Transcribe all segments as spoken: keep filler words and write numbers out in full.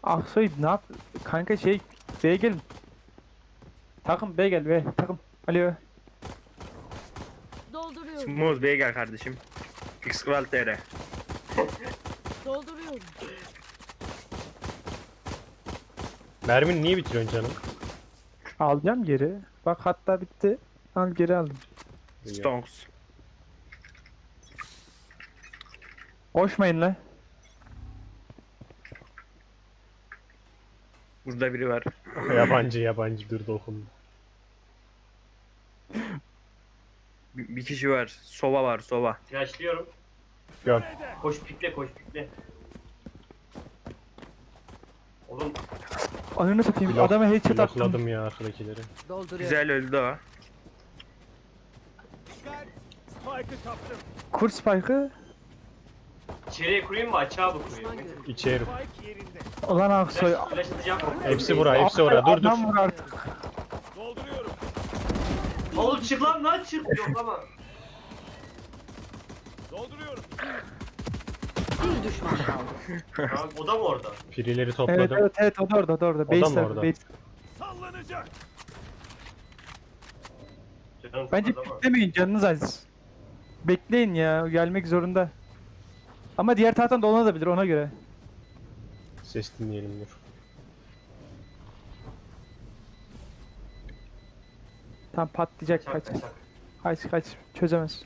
Aksoy ne yap? Kanka şey B'ye gelin. Takım B gel B takım. Alo. Dolduruyorum. Smooth B'ye gel kardeşim. X-Kral T R. Dolduruyorum. Mermini niye bitiriyorsun canım? Alacağım geri. Bak hatta bitti. Al geri aldım. Stonks. Koşmayın lan. Burada biri var. Yabancı yabancı dur dokun. Bir, bir kişi var. Sova var, Sova. Yaşlıyorum. Gör. Koş pikle koş pikle. Oğlum Ananı satayım. Blok- Adama headshot attım. Blokladım ya arkadakileri. Dolduruyorum. Güzel öldü o. Kur spike'ı. içeriye kurayım mı açığa mı kurayım? Düşman mı? görüldü. İçeri. Ulan Aksoy. Flash, flash atacağım. Hepsi bura, hepsi orada. Dur dur. Adam vur artık. Oğlum çık lan lan çık. Yok ama. Bir düşman kaldı. Tamam, o da mı orada? Pirileri Evet topladım. evet evet o da orada o da orada. O da Base mı tarafı, orada? base. Canım Bence sıkıldı ama. beklemeyin canınız aziz. Bekleyin ya gelmek zorunda. Ama diğer taraftan dolanabilir ona göre. Ses dinleyelim dur. Tam patlayacak Çak, kaç. çak. Kaç kaç çözemez.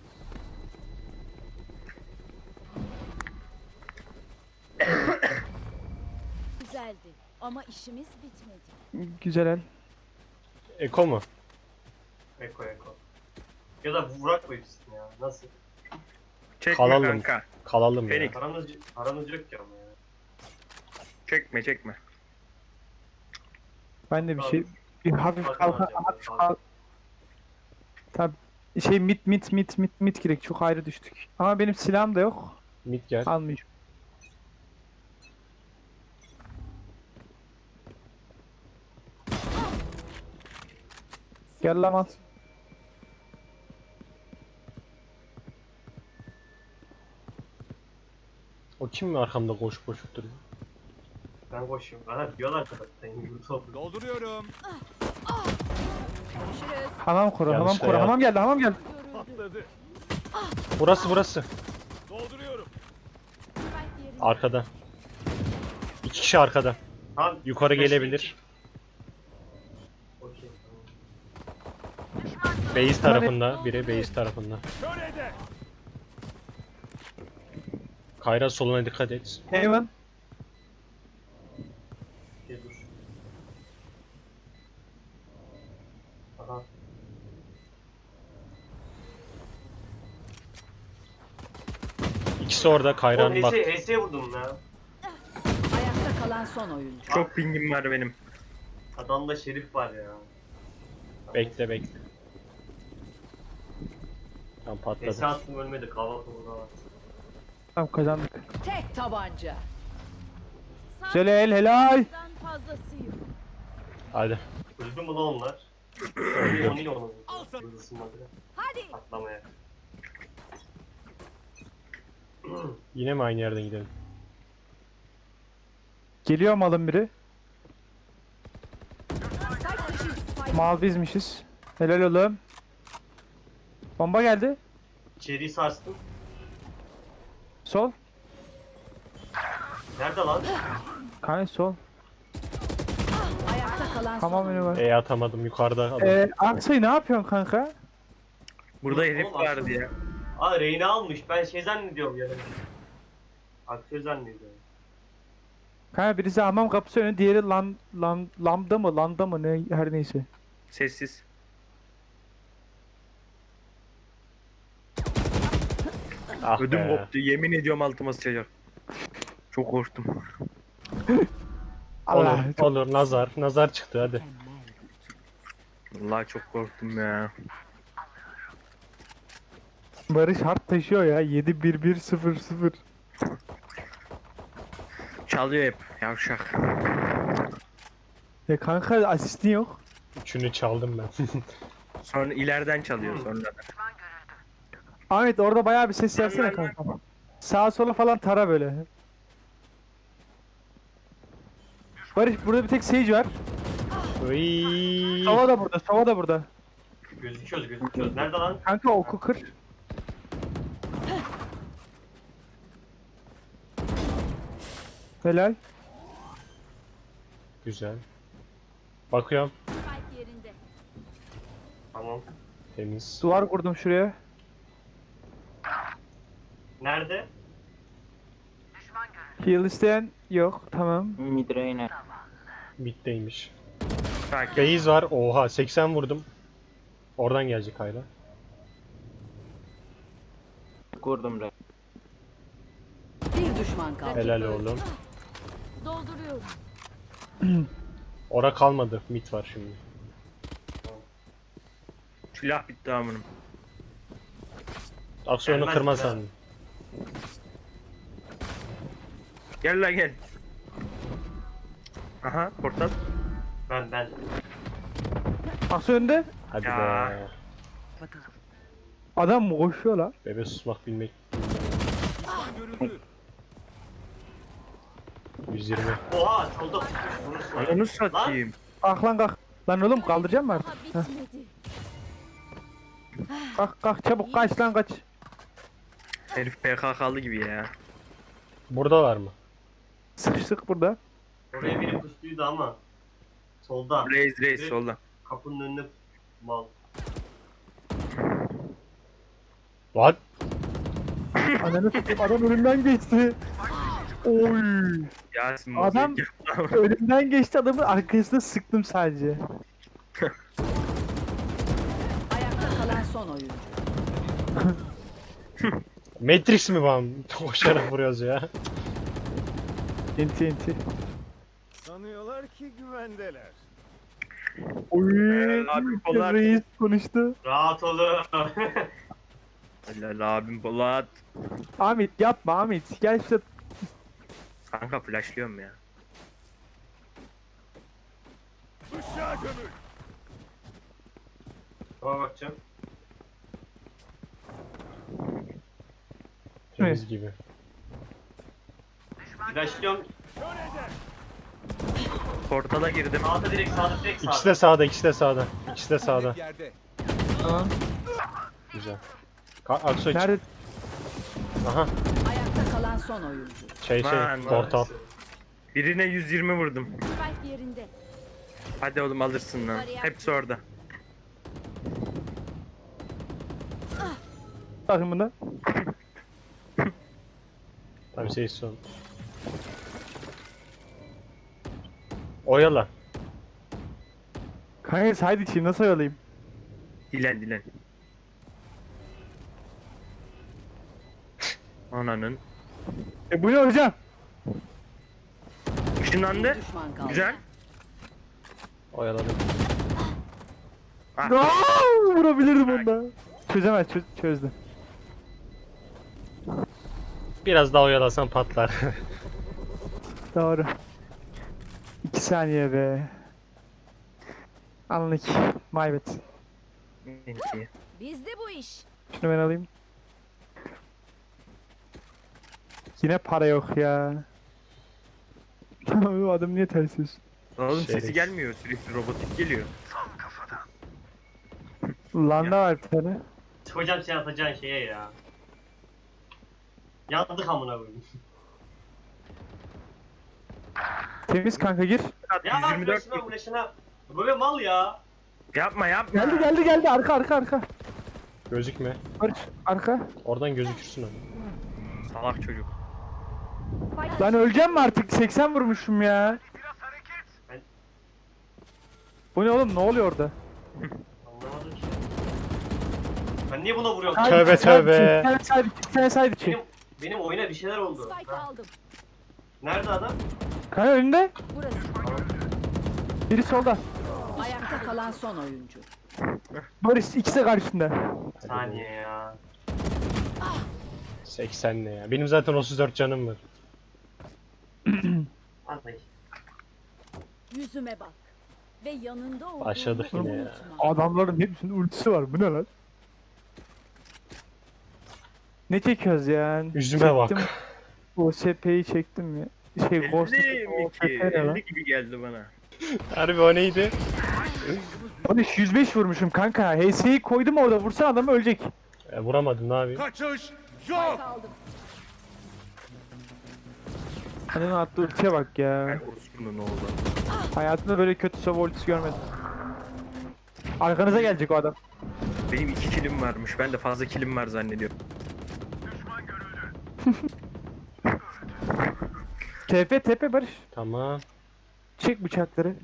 Güzeldi. Ama işimiz bitmedi. Güzel el. Eko mu? Eko eko. Ya da vurak mı hepsini ya? Nasıl? Çekme Kalalım. kanka. Kalalım ya. Fenix. Paranız, paranız yok ki ama ya. Çekme çekme. Ben de bir şey bir hafif Bakın kalka alacağım, hafif bakın. kalk. Tabi şey mit mit mit mit mit girek çok ayrı düştük. Ama benim silahım da yok. Mid gel. Almayacağım. Gel lan al. O kim mi arkamda koşup koşup duruyor? Ben koşuyorum. Bana diyorlar zaten. Yumurta oldu. Dolduruyorum. Görüşürüz. Hamam kur, hamam Yanlışla kur. ya. Hamam geldi, hamam geldi. Görüldü. Patladı. Burası burası. Dolduruyorum. Spike yerinde. Arkada. İki kişi arkada. Tamam. Yukarı flash gelebilir. çek. Okey tamam. Base tarafında. Biri base tarafında. Şöyle Kayra soluna dikkat et. Heaven. Okey dur. Aha. İkisi orada. Oğlum Kayra'nın bak. H S'ye vurdum ya. Ayakta kalan son oyuncu. Çok pingim var benim. Adamda şerif var ya. Bekle bekle. Tam H S patladı. attım ölmedi. Kahvaltı burada var. Tamam kazandık. Tek tabanca. Güzel el helal. Fazlasıyım. Hadi. Öldü mü lan onlar? Öldü. Onu yine onu. Al sana. Yıldızınmadı. Hadi. Patlamaya. Yine mi aynı yerden gidelim? Geliyor malın biri. Spike dışı. Spike. Mal bizmişiz. Helal oğlum. Bomba geldi. İçeriği sarstım. Sol. Nerede lan? Kanka sol. Ayakta kalan son Tamam önü oyuncu. var. E atamadım yukarıda adam. Eee Aksoy ne yapıyorsun kanka? Burada Oğlum, herif oğlum, vardı aslında- ya. Aa Reyna almış. Ben şey zannediyorum ya. Aktör zannediyorum. Kanka birisi hamam kapısı önü, diğeri lan lan lambda mı landa mı ne her neyse. Sessiz. Ah Ödüm be. koptu. Yemin ediyorum altıma sıçacak. Çok korktum. Allah. Olur, olur nazar. Nazar çıktı hadi. Vallahi çok korktum ya. Barış hard taşıyor ya. yedi bir bir sıfır sıfır. Çalıyor hep. Yavşak. Ya kanka asistin yok. Üçünü çaldım ben. Sonra ileriden çalıyor sonra. Ahmet orada bayağı bir ses versene kanka. Sağa sola falan tara böyle. Barış burada bir tek Sage var. Iiii. Sova da burada, Sova da burada. Gözüküyoruz gözüküyoruz. Nerede lan? Kanka oku kır. Helal. Güzel. Bakıyorum. Spike yerinde. Tamam. Temiz. Duvar kurdum şuraya. Nerede? Heal isteyen yok. Tamam. Midrange. Mid'deymiş. Sakin. Base var. Oha seksen vurdum. Oradan gelecek hala. Kurdum re. Bir düşman kaldı. Helal oğlum. Dolduruyorum. Ora kalmadı. Mid var şimdi. Silah bitti amınım. Aksiyonu Gelmez kırma ya. sandım. Gel la gel. Aha portal. Ben ben. Aksu önde. Hadi Ya. be. Adam mı koşuyor lan? Bebe susmak bilmek. yüz yirmi. Oha solda tutmuş. Vurursun. Onu satayım. Kalk lan kalk. Lan oğlum kaldıracağım mı artık? Daha bitmedi. Kalk kalk çabuk kaç lan kaç. Herif P K K'lı gibi ya. Burada var mı? Sıkıştık burada. Oraya biri pustuydu ama. Solda. Reis reis solda. Kapının önüne mal. What? Ananı satayım adam önümden geçti. Oy. Yasin Adam- mozaik yaptı. Önümden geçti adamın arkasına sıktım sadece. Ayakta kalan son oyuncu. Matrix mi var? Koşarak vuruyoruz ya. Enti enti. Sanıyorlar ki güvendeler. Oy. Abi, Polat. Reis konuştu. Rahat olun. Helal abim Polat. Ahmet yapma Ahmet. Gel şurada. Kanka flashlıyorum ya. Işığa gömül. Tamam bakacağım. Temiz gibi. Flashlıyorum. Kör eder. Portala girdim. Sağda direkt sağda direkt sağda. İkisi de sağda, ikisi de sağda. İkisi de sağda. Yerde. Tamam. Güzel. Ka Aksoy çık. Nerede? Aha. Ayakta kalan son oyuncu. Şey şey, Lan, portal. Birine yüz yirmi vurdum. Spike yerinde. Hadi oğlum alırsın lan. Hepsi orada. Bakın buna. Tabii şey son. Oyala. Kanka side içi nasıl oyalayayım? Dilen dilen. Ananın. E bu ne hocam? Işınlandı. Bir düşman kaldı. Güzel. Oyaladım. Ah. Aa, vurabilirdim onda. Çözemez çö çözdü. Biraz daha oyalasan patlar. Doğru. İki saniye be. Anlık. My bad. Enti. Bizde bu iş. Şunu ben alayım. Yine para yok ya. Bu adam niye ters yüz? Oğlum Şerif. sesi gelmiyor sürekli robotik geliyor. Landa var bir tane. Hocam sen atacağın şeye ya. Yandık amına koyayım. Temiz kanka gir. Ya yüz yirmi dört. flash'ına flash'ına. Böyle mal ya. Yapma yapma. Geldi geldi geldi arka arka arka. Gözükme. Barış arka. Oradan gözükürsün ama. Salak çocuk. Lan öleceğim mi artık? seksen vurmuşum ya. Ben- Bu ne oğlum ne oluyor orada? Anlamadım ki. Ben niye buna vuruyorum? Side Tövbe, içi, side içi, tövbe. Bir tane side içi, bir tane side içi. Benim benim oyuna bir şeyler oldu. Spike Ha, aldım. nerede adam? Kanka önünde. Burası. Biri solda. Ayakta kalan son oyuncu. Barış ikisi de karşında. Saniye ya. seksen ne ya? Benim zaten otuz dört canım var. Anlayın. Yüzüme bak. Ve yanında olduğumu Başladık yine ya. unutma. Adamların hepsinin ultisi var. Bu ne lan? Ne çekiyoruz ya? Yüzüme bak. O S P'yi çektim ya. Şey Ghost elli mi ki? ne lan? elli gibi geldi bana. Harbi o neydi? Barış yüz beş vurmuşum kanka. H S'yi koydum orada, vursan adam ölecek. E, vuramadım ne yapayım? Kaçış Spike yok. aldım. Hani attığı ultiye bak ya. Ben orospunun oğlu. Hayatımda böyle kötü sova ultisi görmedim. Arkanıza gelecek o adam. Benim iki kilim varmış. Ben de fazla kilim var zannediyorum. T P T P Barış. Tamam. Çek bıçakları.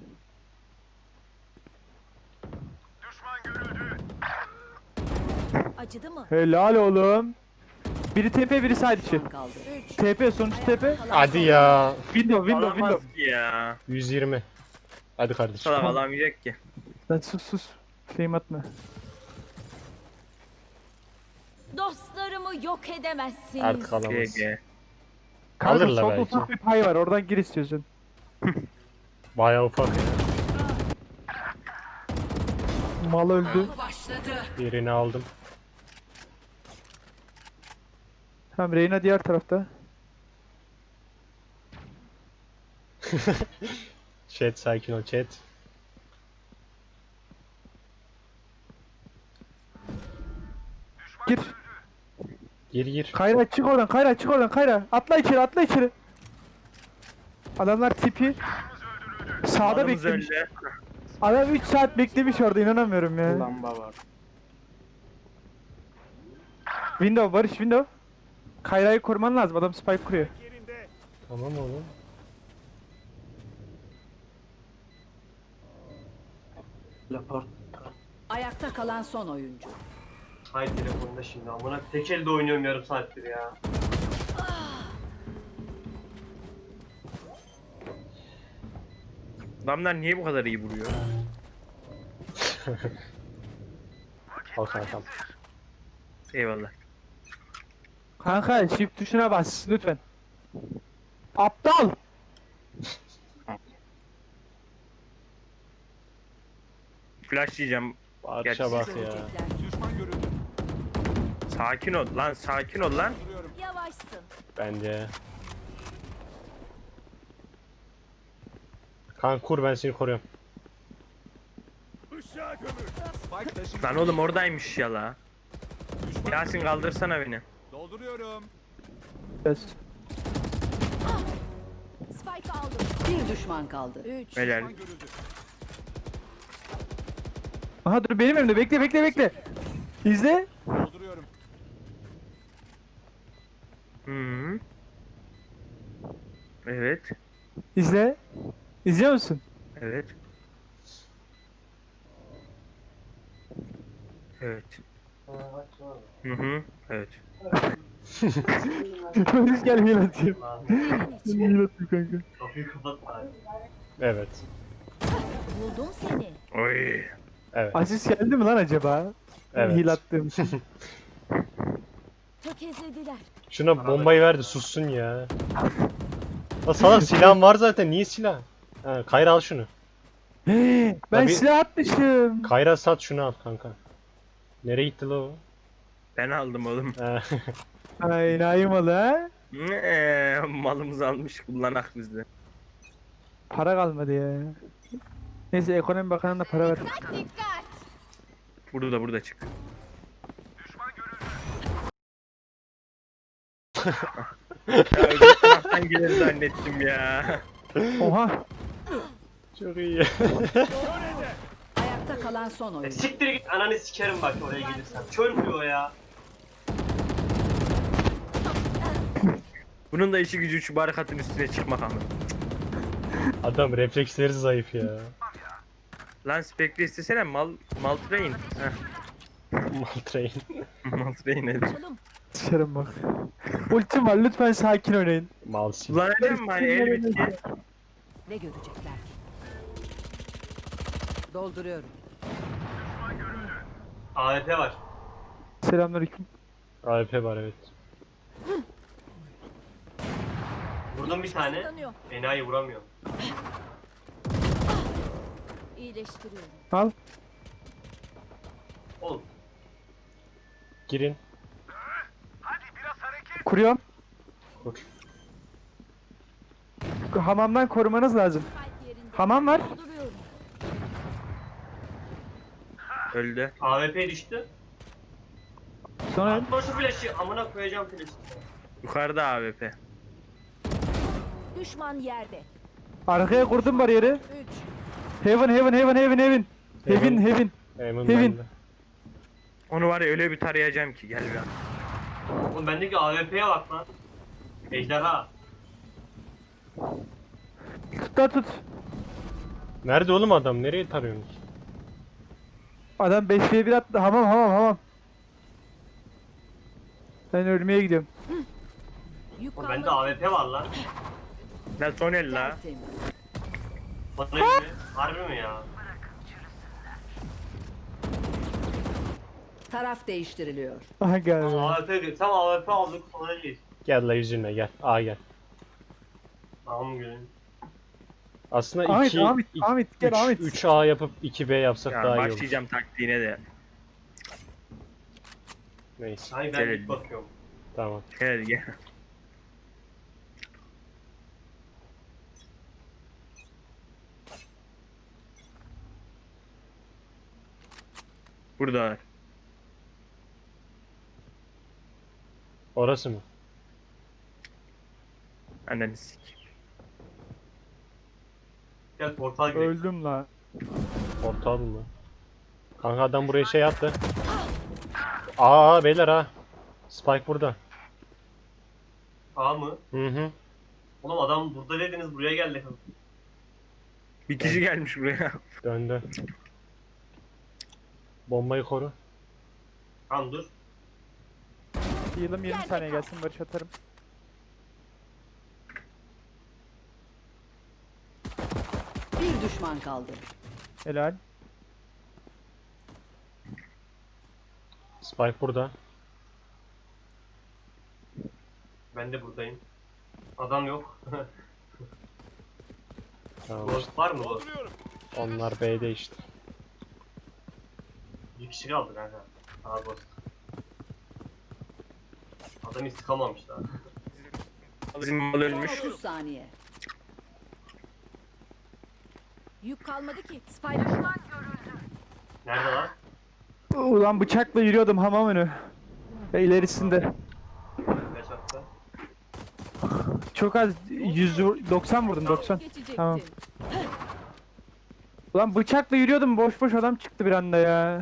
Acıdı mı? Helal oğlum. Biri T P, biri side içi. Düşman kaldı. üç. T P, sonuç T P. Hadi ya. Window, window, Alamaz window. ki ya. yüz yirmi. Hadi kardeşim. Salak alamayacak ki. Lan sus sus. Flame atma. Dostlarımı yok edemezsiniz. Artık alamaz. G G. Kanka Alırlar solda belki. ufak bir pay var, oradan gir istiyorsun. Bayağı ufak ya. Mal öldü. Birini aldım. Tamam, Reyna diğer tarafta. Chat sakin ol chat. Gir. Gir gir. Kayra çık oradan, Kayra çık oradan, Kayra. Atla içeri, atla içeri. Adamlar tipi sağda Adamız beklemiş. öldü. Adam üç saat beklemiş orada, inanamıyorum ya. Lamba var. Window Barış, window. Kayra'yı koruman lazım, adam spike kuruyor. Yerinde. Tamam oğlum. Laport. Ayakta kalan son oyuncu. Hay telefonda şimdi amına tek elde oynuyorum yarım saattir ya. Adamlar niye bu kadar iyi vuruyor? Al kankam. Eyvallah. Kanka shift tuşuna bas lütfen. Aptal. Flash yiyeceğim. Parça bak ya. Görecekler. Düşman görüldü. Sakin ol lan, sakin ol lan. Yavaşsın. Bence. Kan kur ben seni koruyorum. Işığa gömül. Spike taşı. Lan oğlum oradaymış ya la. Düşman Yasin görüldü. kaldırsana beni. Dolduruyorum. Yes. Spike aldım. Bir düşman kaldı. üç. Helal. Düşman görüldü. Aha dur, benim önümde, bekle bekle bekle. İzle. Dolduruyorum. Hı -hı. Evet. İzle. İzliyor musun? Evet. Evet. Hı hı. Evet. Barış gel heal atayım. Heal atayım kanka. Kapıyı kapat bari. Evet. Buldum seni. Oy. Evet. Asist geldi mi lan acaba? Evet. Heal attığım için. Tökezlediler. Şuna bombayı ver de sussun ya. La salak silahım var zaten niye silah? Ha, Kayra al şunu. ben Tabii- silah atmışım. Kayra sat şunu al kanka. Nereye gitti la o? Ben aldım oğlum. Ha, Ay naymalı ha. Eee, malımızı almış kullanak bizde. Para kalmadı ya. Neyse ekonomi bakanına para ver. Burada burada çık. Ya öbür taraftan gelir zannettim ya. Oha. Çok iyi. Ayakta kalan son E, oyuncu. siktir git ananı sikerim bak oraya gelirsen. Çöl mü o ya? Bunun da işi gücü şu barikatın üstüne çıkmak ama. Adam refleksleri zayıf ya. Lan spekli istesene mal mal train. Heh. Maltrain. Mal train nedir? Açalım. Dışarım bak. Ultim var, lütfen sakin oynayın. Malsin. Kullanacağım mı hani el bitti. Ne görecekler ki? Dolduruyorum. A W P var. Selamünaleyküm. A W P var evet. Vurdum bir tane. Kısıtlanıyor. Enayi vuramıyor. İyileştiriyorum. Al. Oğlum. Girin. Kuruyorum. Kur. hamamdan korumanız lazım. Kalp yerinde. Hamam var. Dolduruyorum. Öldü. A W P düştü. Sonra Atma şu flash'ı. Amına koyacağım flash'ı. Yukarıda A W P. Düşman yerde. arkaya kurdum bariyeri. üç. Heaven heaven heaven heaven heaven. Heaven Heaven. heaven. Emin Kevin. bende. Onu var ya öyle bir tarayacağım ki gel bir an. Oğlum bendeki A W P'ye bak lan. Ejderha. Tut da tut. Nerede oğlum adam? Nereye tarıyorsunuz? Adam beşliğe bir attı. Hamam hamam hamam. Ben ölmeye gidiyorum. Yük Oğlum kalmadı. bende A W P var lan. Lan son el la. Tertemiz. Bana gibi. Harbi mi ya? Taraf değiştiriliyor. Aha geldi. A W P tam A W P aldık sonra değil. Gel la yüzüne gel. A gel. Tamam gülüm. Aslında Ahmet, iki, Ahmet, Ahmet, gel Ahmet. üç A yapıp iki B yapsak Ya daha iyi olur. başlayacağım taktiğine de. Neyse. Hayır ben Gel. ilk bakıyorum. Tamam. Gel gel. Burada. Orası mı? Ananı sik. Gel portal gidelim. Öldüm la. Portal mı? Kanka adam buraya şey attı. Aa beyler ha. Spike burada. A mı? Hı hı. Oğlum adam burada dediniz buraya geldi. Bir kişi gelmiş buraya. Döndü. Bombayı koru. Tamam dur. Heal'ım yirmi saniye gelsin barış atarım. Bir düşman kaldı. Helal. Spike burada. Ben de buradayım. Adam yok. Tamam. Ghost var mı Ghost? Dolduruyorum. Onlar B'de işte. Bir kişi kaldı kanka. Aa Ghost. Adam hiç sıkamamış daha. Bizim mal ölmüş. Son otuz saniye. Yük kalmadı ki. Spike Nerede lan? Ulan bıçakla yürüyordum hamam önü. Ve ilerisinde. Kaç attı? Çok az yüz doksan vurdum doksan. geçecektin. Tamam. Ulan bıçakla yürüyordum boş boş adam çıktı bir anda ya.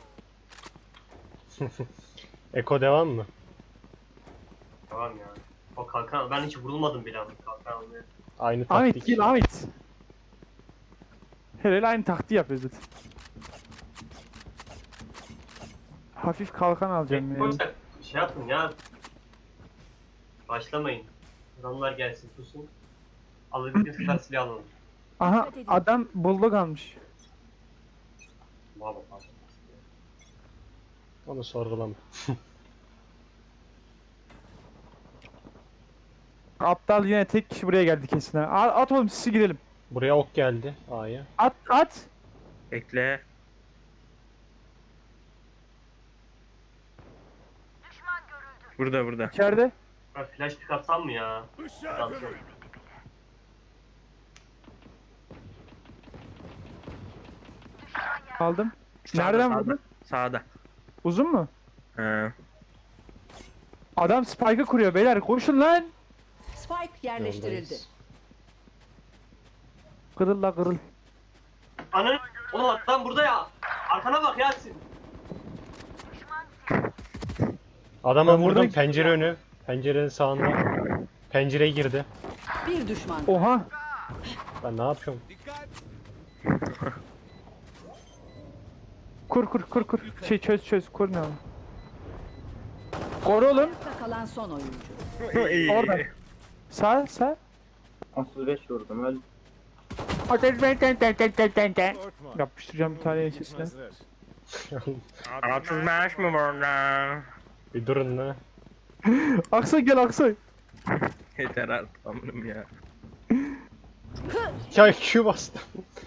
Eko devam mı? Tamam ya. O kalkan ben hiç vurulmadım bile abi kalkan almaya. Aynı Ahmet taktik. gel Ahmet. Herhalde aynı taktiği yapıyoruz zaten. Hafif kalkan alacağım ya. Koçak şey yapın ya. Başlamayın. Adamlar gelsin susun. Alabildiğiniz kadar silah alın. Aha adam bulldog almış. Baba baba. Onu sorgulama. Aptal yine tek kişi buraya geldi kesin ha. A- At oğlum sizi girelim. Buraya ok geldi. A'ya. At at. Bekle. Burada burada. İçeride. Ben flash pick atsam mı ya? Adam çok. Aldım. Sağda, Nereden sağda. vurdun? Sağda. Uzun mu? He. Adam spike'ı kuruyor beyler koşun lan. Spike yerleştirildi. Yoldayız. Kırıl la kırıl. Ananı. Oğlum adam burada ya. Arkana bak Yasin. Adama Ben vurdum buradayım. pencere önü. Pencerenin sağında. Pencereye girdi. Bir düşman. Oha. Ben ne yapıyorum? Dikkat. Kur kur kur kur. Şey çöz çöz kur ne o? Koru oğlum. Ayakta kalan son oyuncu. İyi. Orada. Sağ sağ. otuz beş vurdum öl. Ateş ben ten ten ten ten ten ten. Korkma. Yapıştıracağım bir tane içesine. Hazır. otuz beş mi burada? Bir durun la. Aksoy gel Aksoy. Yeter artık amınım ya. Ya Q bastım.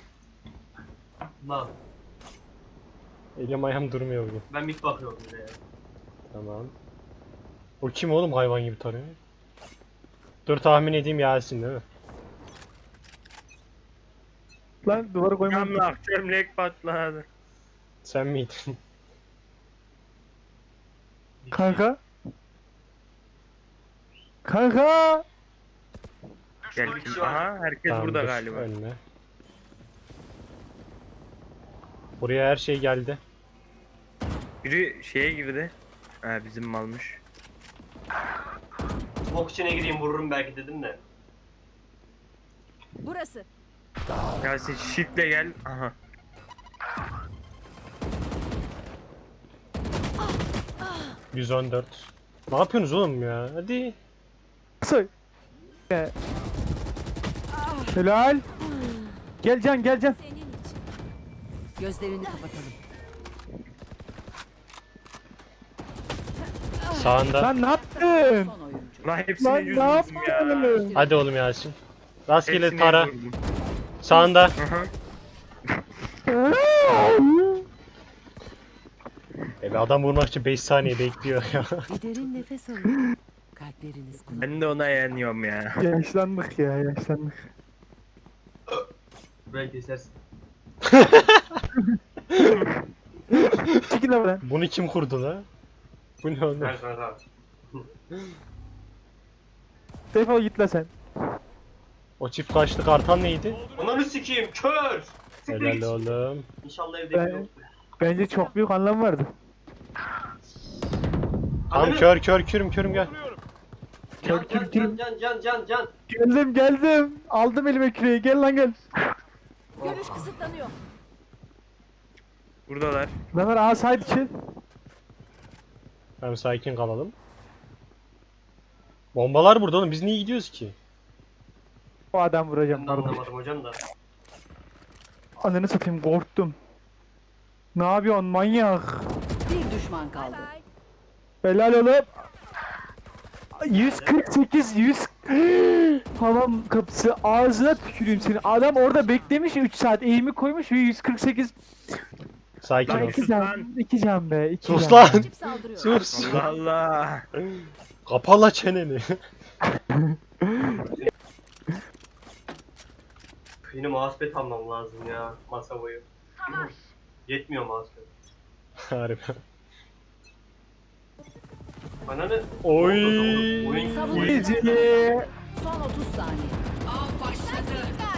Lan Elim ayağım durmuyor bugün. ben mid bakıyorum bir de ya. Tamam. O kim oğlum hayvan gibi tarıyor? Dur tahmin edeyim Yasin değil mi? Lan duvara koymam. Yanlak çömlek patladı. Sen miydin? Kanka. Kanka. Gel. Aha herkes Tamam, burada dur, galiba. Önüne. Buraya her şey geldi. Biri şeye girdi. Ha bizim malmış. Smoke içine gireyim vururum belki dedim de. Burası. Yasin shiftle gel. Aha. yüz on dört. Ne yapıyorsunuz oğlum ya? Hadi. Kısa. Ee, Helal. Gel Can gel Can. Senin için. Gözlerini kapatalım. Sağında. Lan ne yaptın? Son oyuncu. Lan hepsini Lan yüz ne vurdum ya. yaptın? Hadi oğlum Yasin. Rastgele Hepsini tara. yüz vurdum. Sağında. Aha. E be, adam vurmak için beş saniye bekliyor ya. Bir derin nefes alın. Kalpleriniz kulak. Ben de ona yanıyorum ya. Yaşlandık ya yaşlandık. Burayı kesersin. Çekil lan. Bunu kim kurdu la? Bu ne oğlum? Ver kanka. Defol git la sen. O çift kaşlı kartal neydi? Ananı sikeyim kör. Siktir Helal git. oğlum. İnşallah evde Ben- biri yoktur. Bence çok büyük anlam vardı. Tam Ananı- kör kör kürüm kürüm gel. Can Kör, can kür, kür. can can can can can. Geldim geldim. Aldım elime küreği. Gel lan gel. Görüş kısıtlanıyor. Buradalar. Ne var aa side için. Tamam sakin kalalım. Bombalar burada oğlum biz niye gidiyoruz ki? O adam vuracağım Ben de pardon. anlamadım hocam da. Ananı satayım korktum. Ne yapıyorsun manyak? Bir düşman kaldı. Helal oğlum. yüz kırk sekiz yüz Hamam kapısı ağzına tüküreyim seni. Adam orada beklemiş üç saat eğimi koymuş ve yüz kırk sekiz. Sakin Lan ol. iki sus can, lan. iki can be, iki Sus can. lan. Rakip saldırıyor. Sus. Allah Allah. Kapala çeneni. Yine mousepad almam lazım ya masa boyu. Yetmiyor mousepad. Harbi. Ananı. Oy. Oyun Savunma. Gece. Son otuz saniye. Av başladı.